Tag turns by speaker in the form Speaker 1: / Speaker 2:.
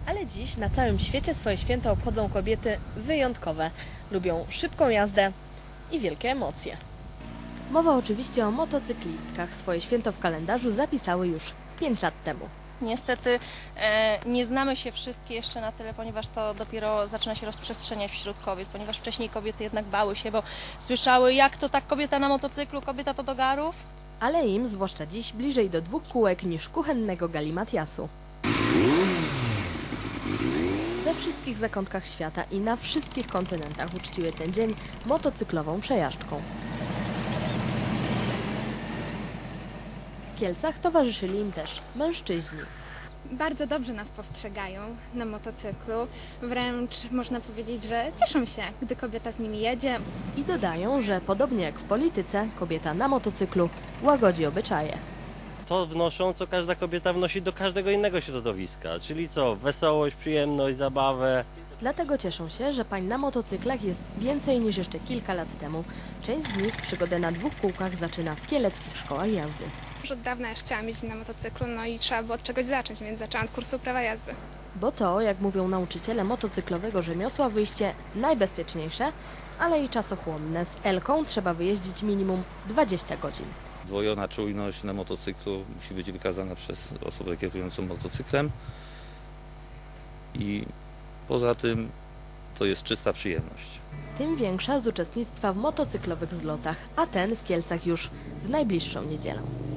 Speaker 1: Ale dziś na całym świecie swoje święto obchodzą kobiety wyjątkowe. Lubią szybką jazdę i wielkie emocje. Mowa oczywiście o motocyklistkach. Swoje święto w kalendarzu zapisały już 5 lat temu.
Speaker 2: Niestety nie znamy się wszystkie jeszcze na tyle, ponieważ to dopiero zaczyna się rozprzestrzeniać wśród kobiet, ponieważ wcześniej kobiety jednak bały się, bo słyszały, jak to tak kobieta na motocyklu, kobieta to do garów.
Speaker 1: Ale im, zwłaszcza dziś, bliżej do 2 kółek niż kuchennego galimatiasu. We wszystkich zakątkach świata i na wszystkich kontynentach uczciły ten dzień motocyklową przejażdżką. W Kielcach towarzyszyli im też mężczyźni.
Speaker 3: Bardzo dobrze nas postrzegają na motocyklu, wręcz można powiedzieć, że cieszą się, gdy kobieta z nimi jedzie.
Speaker 1: I dodają, że podobnie jak w polityce, kobieta na motocyklu łagodzi obyczaje.
Speaker 4: To wnoszą, co każda kobieta wnosi do każdego innego środowiska, czyli co? Wesołość, przyjemność, zabawę.
Speaker 1: Dlatego cieszą się, że pań na motocyklach jest więcej niż jeszcze kilka lat temu. Część z nich przygodę na 2 kółkach zaczyna w kieleckich szkołach jazdy.
Speaker 5: Już od dawna już chciałam jeździć na motocyklu, no i trzeba było od czegoś zacząć, więc zaczęłam od kursu prawa jazdy.
Speaker 1: Bo to, jak mówią nauczyciele motocyklowego rzemiosła, wyjście najbezpieczniejsze, ale i czasochłonne. Z Elką trzeba wyjeździć minimum 20 godzin.
Speaker 6: Zdwojona czujność na motocyklu musi być wykazana przez osobę kierującą motocyklem i poza tym to jest czysta przyjemność.
Speaker 1: Tym większa z uczestnictwa w motocyklowych zlotach, a ten w Kielcach już w najbliższą niedzielę.